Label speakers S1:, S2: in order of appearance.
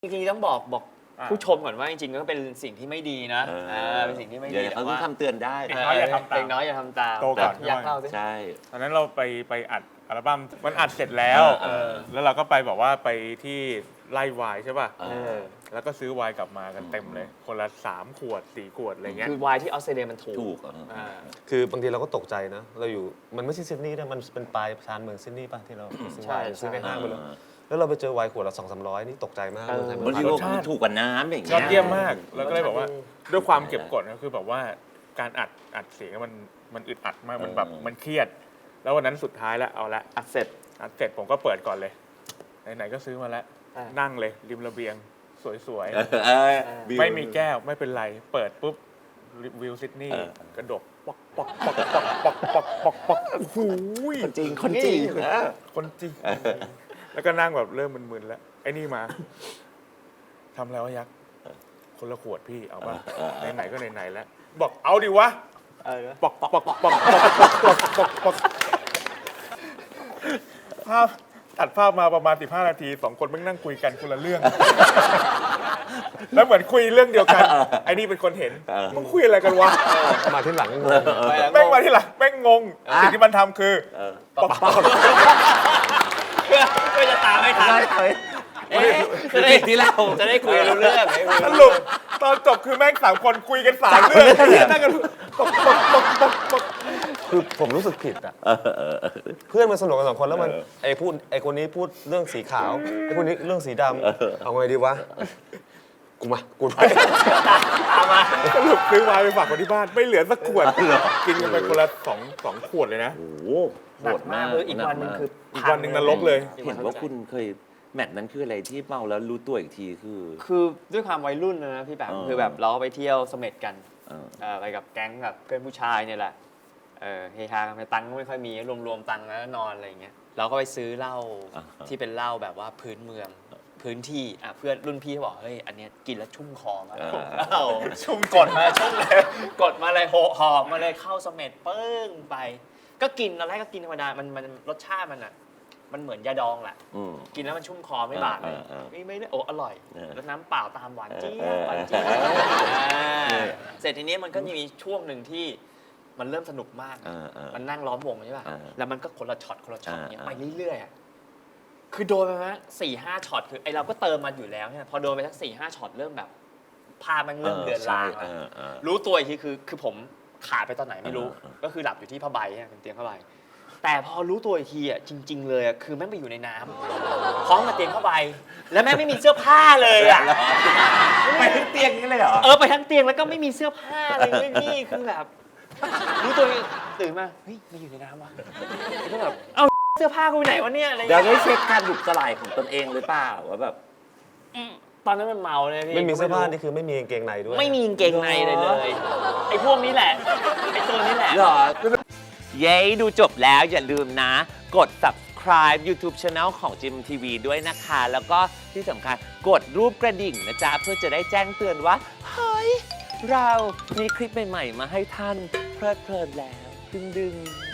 S1: จริงๆต้องบอกผู้ชมก่อนว่าจริงๆก็เป็นสิ่งที่ไม่ดีนะเป็นสิ่งที่ไม่ดี
S2: เขาต้องทำเตือนได้
S1: เด็กน้อยอย่าทำตามเด็กน้อยอย่าทำตาม
S3: โตก่อน
S1: อยากเล่าสิ
S2: ใช่
S3: ตอนนั้นเราไปอัดอัลบั้มมันอัดเสร็จแล้วแล้วเราก็ไปบอกว่าไปที่ไล่วายใช่ป่ะแล้วก็ซื้อไวน์กลับมากันเต็มเลยคนละ3 ขวด 4 ขวดอะไรเงี้ย
S1: คือไวน์ที่ออสเตรเลียมันถูก
S4: คือบางทีเราก็ตกใจนะเราอยู่มันไม่ใช่ซิดนีย์นะมันเป็นปลายชานเมืองซิดนีย์ป่ะที่เราซื้อไวน์ซื้อในห้างไปเลยแล้วเราไปเจอไวน์ขวดละ200-300นี่ตกใจมากเลย
S2: บางทีมันถูกกว่าน้ำอย่างเงี้
S3: ยอดเยี่ยมมากแล้วก็เลยบอกว่าด้วยความเก็บกดก็คือแบบว่าการอัดเสียงมันอึดอัดมากมันแบบมันเครียดแล้ววันนั้นสุดท้ายแล้วเอาละอัดเสร็จผมก็เปิดก่อนเลยไหนๆก็ซื้อมาแล้วนั่งเลยริมระเบียงสวยๆไม่มีแก้วไม่เป็นไรเปิดปุ๊บวิวซิดนีย์กระดกปอกปอกปอกปอกปอกปอกปอกปอกโอ้โห
S2: คนจริงคนจริง
S3: แล้วก็นั่งแบบเริ่มมึนๆแล้วไอ้นี่มาทำแล้วยักษ์คนละขวดพี่เอาป่ะไหนๆก็ไหนๆแล้วบอกเอาดิวะปอกปอกปอกปอกปอกปอกปอกภาพตัดภาพมาประมาณ15 นาที2 คนแม่งนั่งคุยกันคนละเรื่องแล้วเหมือนคุยเรื่องเดียวกันไอ้นี่เป็นคนเห็นมึงคุยอะไรกันวะ
S4: มาที่หลัง
S3: แม่งมาที่หลังแม่งงงสิ่งที่มันทำคือปอกปอก
S1: เพื่อจะตามให้ทัน
S2: ที่เรา
S1: จะได้คุยรู้เรื่อง
S3: สรุปตอนจบคือแม่ง3 คนคุยกัน3 เรื่องนั่งกันปอก
S4: คือผมรู้สึกผิดอ่ะเพื่อนมันสนุกกัน2 คนแล้วมันไอ้คนนี้พูดเรื่องสีขาวไอ้คนนี้เรื่องสีดำเอาไงดีวะกูไป
S1: ตามมา
S3: สรุปซื้อไวน์ไปฝากคนที่บ้านไม่เหลือสักขวดกินกันไปคนละ2 ขวดเลยนะ
S2: โอ้โห
S1: โหดมากอีกวันนึงคือ
S3: อีกวันนึงนรกเลย
S2: เห็นว่าคุณเคยแมตช์นั้นคืออะไรที่เมาแล้วรู้ตัวอีกที
S1: คือด้วยความวัยรุ่นนะพี่แปมคือแบบเราไปเที่ยวเสม็ดกันไปกับแก๊งกับเพื่อนผู้ชายเนี่ยแหละเฮฮากันไปตังค์ก็ไม่ค่อยมีรวมตังค์แล้วนอนอะไรอย่างเงี้ยเราก็ไปซื้อเหล้าที่เป็นเหล้าแบบว่าพื้นเมืองพื้นที่เพื่อนรุ่นพี่เขาบอกเฮ้ยอันเนี้ยกินแล้วชุ่มคอมากชุ่มกดมาชุ่มเลยกดมาเลยหอบมาเลยเข้าเสม็ดปึ้งไปก็กินตอนแรกก็กินธรรมดามันรสชาติมันเหมือนยาดองแหละกินแล้วมันชุ่มคอไม่บาดเลยไม่ได้อร่อยแล้วน้ำเปล่าตามหวานเจี๊ยบเสร็จทีนี้มันก็มีช่วงหนึ่งที่มันเริ่มสนุกมากมันนั่งล้อมวงใช่ป่ะแล้วมันก็คนละช็อตเนี่ยไปเรื่อยๆคือโดนไปมั้ย 4-5 ช็อตคือไอเราก็เติมมันอยู่แล้วเนี่ยพอโดนไปสัก 4-5 ช็อตเริ่มแบบภาพมันเริ่มเลือนลางรู้ตัวอีกทีคือผมขาดไปตอนไหนไม่รู้ก็คือหลับอยู่ที่ผ้าใบเนี่ยเป็นเตียงผ้าใบแต่พอรู้ตัวอีกทีจริงๆเลยคือแม่งไปอยู่ในน้ำพร้อมกับเตียงผ้าใบแล้วแม่งไม่มีเสื้อผ้าเลย
S2: ไปทั้งเตียงนี่เลยเหรอ
S1: ไปทั้งเตียงแล้วก็ไม่มีเสื้อผ้าเลยพี่คือแบบรู้ตัวตื่นมาเฮ้ยไม่อยู่ในน้ำว่ะก็แบบเอ้าเสื้อผ้ากูไปไหนวะเนี่ยอะไร
S2: เดี๋ยวได้เช็คการบุกสลายของตนเองหรือเปล่าว่าแบบ
S1: ตอนนั้นมันเมาเลยพี่
S4: ไม่มีเสื้อผ้านี่คือไม่มีกางเกงในด้วย
S1: ไม่มีกางเกงในเลยไอ้พวกนี้แหละไอ้ตัวนี้แหละ
S2: หรอเย้ดูจบแล้วอย่าลืมนะกด subscribe YouTube Channel ของ GMMTV ด้วยนะคะแล้วก็ที่สำคัญกดรูปกระดิ่งนะจ๊ะเพื่อจะได้แจ้งเตือนว่าเฮ้ยเรามีคลิปใหม่ๆมาให้ท่านเพลิดเพลินแล้วดึง